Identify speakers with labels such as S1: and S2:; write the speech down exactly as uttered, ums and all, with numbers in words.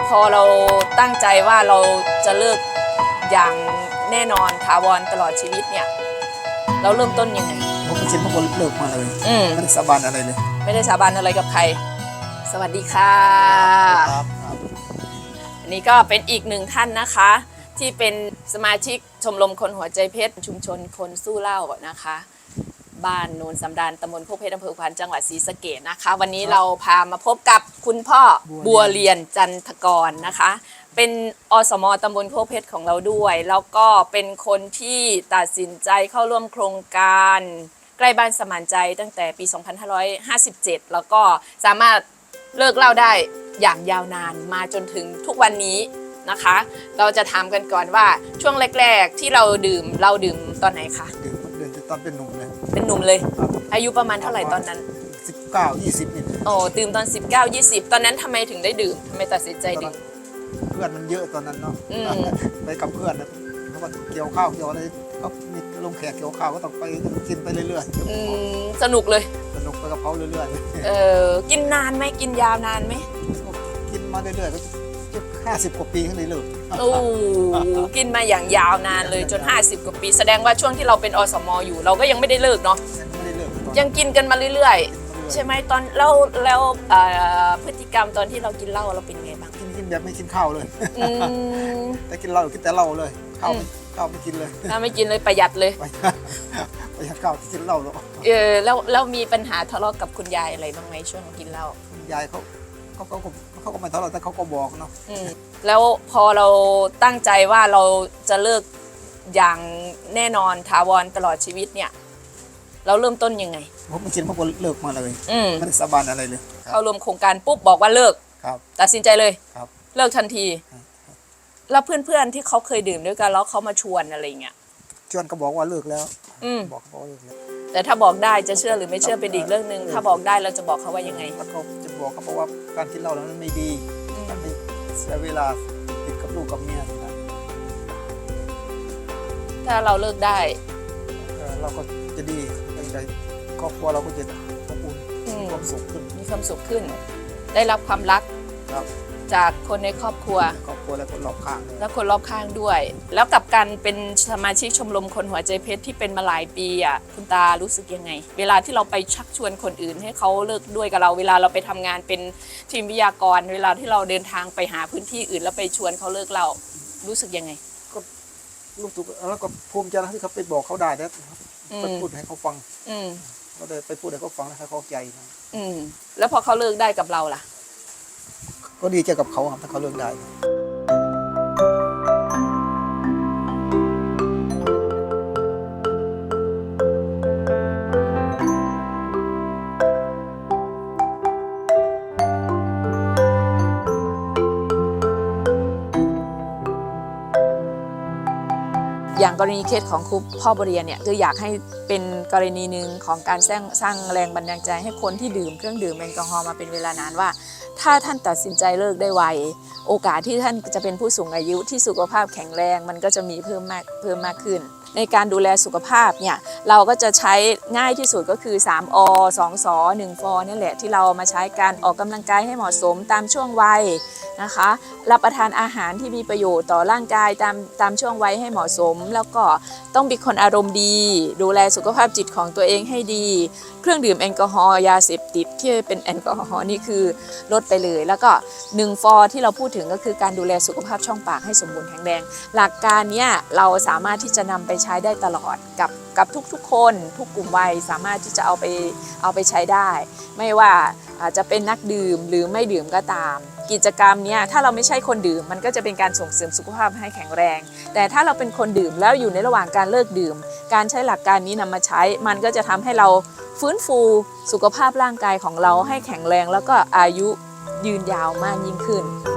S1: พอเราตั้งใจว่าเราจะเลิกอย่างแน่นอนถาวรตลอดชีวิตเนี่ยเราเริ่มต้นยังไง
S2: ผมเป็นพวกคนเลิกมาเลยไม่ได้สาบานอะไรเลย
S1: ไม่ได้สาบานอะไรกับใครสวัสดีค่ะ
S2: ครับ
S1: อันนี้ก็เป็นอีกหนึ่งท่านนะคะที่เป็นสมาชิกชมรมคนหัวใจเพชรชุมชนคนสู้เหล้านะคะบ้านโนนสำราญตำบลโคกเพชรอำเภอขวัญจังหวัดศรีสะเกษนะคะวันนี้เราพามาพบกับคุณพ่อบัวเรียนจันทกรนะคะเป็นอสมตำบลโคกเพชรของเราด้วยแล้วก็เป็นคนที่ตัดสินใจเข้าร่วมโครงการใกล้บ้านสมานใจตั้งแต่ปี สองพันห้าร้อยห้าสิบเจ็ด แล้วก็สามารถเลิกเหล้าได้อย่างยาวนานมาจนถึงทุกวันนี้นะคะเราจะถามกันก่อนว่าช่วงแรกๆที่เราดื่มเราดื่มตอนไหนคะ
S2: ดื่มดื่มตอนเป็นหนุ่มเลย
S1: เป็นหนุ่มเลยอายุประมาณเท่าไหร่ตอนนั้น
S2: สิบเก้า ยี่สิบนี่
S1: โอ้ดื่มตอนสิบเก้า ยี่สิบตอนนั้นทำไมถึงได้ดื่มทำไมตัดสินใจดื่ม
S2: เพื่อนมันเยอะตอนนั้นเนาะไปกับเพื่อนนะเขาก็เกี่ยวข้าวเกี่ยวอะไรเขามีลงแขกเกี่ยวข้าวก็ต้องไปกินไปเรื่อย
S1: ๆสนุกเลย
S2: สนุกไปกับเขาเรื่อย
S1: ๆเออกินนานไหมกินยาวนานไหม
S2: กินมาเรื่อยๆก็ห้าสิบกว่าปีขึ้นเลยเลย
S1: โอ้กินมาอย่างยาวนานเลยจนห้าสิบกว่าปีแสดงว่าช่วงที่เราเป็นอสมอยู่เราก็ยังไม่ได้เลิกเนาะยังกินกันมาเรื่อยๆใช่ไหมตอนแล้วแล้วพฤติกรรมตอนที่เรากินเหล้าเราเป็นไงบ้าง
S2: กินกินแบบไม่กินข้าวเลยแต่กินเหล้ากินแต่เหล้าเลยข้าวข้าวไม่กินเลย
S1: ข้าวไม่กินเลยประหยัดเลย
S2: ประหยัดข้าวกินเหล้าหรอ
S1: เออแล้วแล้วมีปัญหาทะเลาะกับคุณยายอะไรบ้างไหมช่วงกินเหล้า
S2: คุณยายเขาเขาเขาเขาก็ไม่ทะเลาะแต่เขาก็บอกเนาะ
S1: แล้วพอเราตั้งใจว่าเราจะเลิกอย่างแน่นอนถาวรตลอดชีวิตเนี่ยเราเริ่มต้นยังไง
S2: ผมเป็นพวกคนเลิกมาเลยไม่ได้สาบานอะไรเลย
S1: เข้าร่วมโครงการปุ๊บบอกว่าเลิกตัดสินใจเลยเลิกทันทีแล้วเพื่อนๆที่เขาเคยดื่มด้วยกันแล้วเขามาชวนอะไรเงี้ย
S2: ชวนก็บอกว่าเลิกแล้วบอกเขาเลิกแล้ว
S1: แต่ถ้าบอกได้จะเชื่อหรือไม่เชื่อเป็นอีกเรื่องนึงถ้าบอกได้เราจะบอกเขาว่ายังไง
S2: เขาจะบอกเขาเพราะว่าการกินเหล้าแล้วมันไม่ดีมันไม่เสียเวลาติดกับลูกกับเมียนะ
S1: ถ้าเราเลิกได้
S2: เราก็จะดีใจครอบครัวเราก็จะอบอุ่นมีความสุขขึ้น
S1: มีความสุขขึ้นได้รับความรักจากคนในครอบครัว
S2: ครอบครัวและคนรอบข้าง
S1: และคนรอบข้างด้วยแล้วกับการเป็นสมาชิกชมรมคนหัวใจเพชรที่เป็นมาหลายปีอ่ะคุณตารู้สึกยังไงเวลาที่เราไปชักชวนคนอื่นให้เขาเลิกด้วยกับเราเวลาเราไปทำงานเป็นทีมวิทยากรเวลาที่เราเดินทางไปหาพื้นที่อื่นแล้วไปชวนเขาเลิกเรารู้สึกยังไง
S2: ก็รู้สึกแล้วก็ภูมิใจที่เขาไปบอกเขาได้แล้วไปพูดให้เขาฟังก็ได้ไปพูดให้เขาฟังแล้วให้เขาใจนะ
S1: แล้วพอเขาเลิกได้กับเราล่ะ
S2: ก็ดีใจกับเขาครับถ้าเขาเลิกได้
S1: อย่างกรณีเคสของครูพ่อบริเรียนเนี่ยคืออยากให้เป็นกรณีหนึ่งของการสร้างสร้างแรงบันดาลใจให้คนที่ดื่มเครื่องดื่มแอลกอฮอล์มาเป็นเวลานานว่าถ้าท่านตัดสินใจเลิกได้ไวโอกาสที่ท่านจะเป็นผู้สูงอายุที่สุขภาพแข็งแรงมันก็จะมีเพิ่มมากเพิ่มมากขึ้นในการดูแลสุขภาพเนี่ยเราก็จะใช้ง่ายที่สุดก็คือสามอ สองส หนึ่งฟนี่แหละที่เรามาใช้การออกกำลังกายให้เหมาะสมตามช่วงวัยนะคะรับประทานอาหารที่มีประโยชน์ต่อร่างกายตามตามช่วงวัยให้เหมาะสมแล้วก็ต้องเป็นคนอารมณ์ดีดูแลสุขภาพจิตของตัวเองให้ดีเครื่องดื่มแอลกอฮอล์ยาเสพติดที่เป็นแอลกอฮอล์นี่คือลดไปเลยแล้วก็หนึ่งฟที่เราพูดถึงก็คือการดูแลสุขภาพช่องปากให้สมบูรณ์แข็งแรงหลักการนี้เราสามารถที่จะนำไปใช้ได้ตลอดกับกับทุกๆคนทุกกลุ่มวัยสามารถที่จะเอาไปเอาไปใช้ได้ไม่ว่าอาจจะเป็นนักดื่มหรือไม่ดื่มก็ตามกิจกรรมนี้ถ้าเราไม่ใช่คนดื่มมันก็จะเป็นการส่งเสริมสุขภาพให้แข็งแรงแต่ถ้าเราเป็นคนดื่มแล้วอยู่ในระหว่างการเลิกดื่มการใช้หลักการนี้นำมาใช้มันก็จะทำให้เราฟื้นฟูสุขภาพร่างกายของเราให้แข็งแรงแล้วก็อายุยืนยาวมากยิ่งขึ้น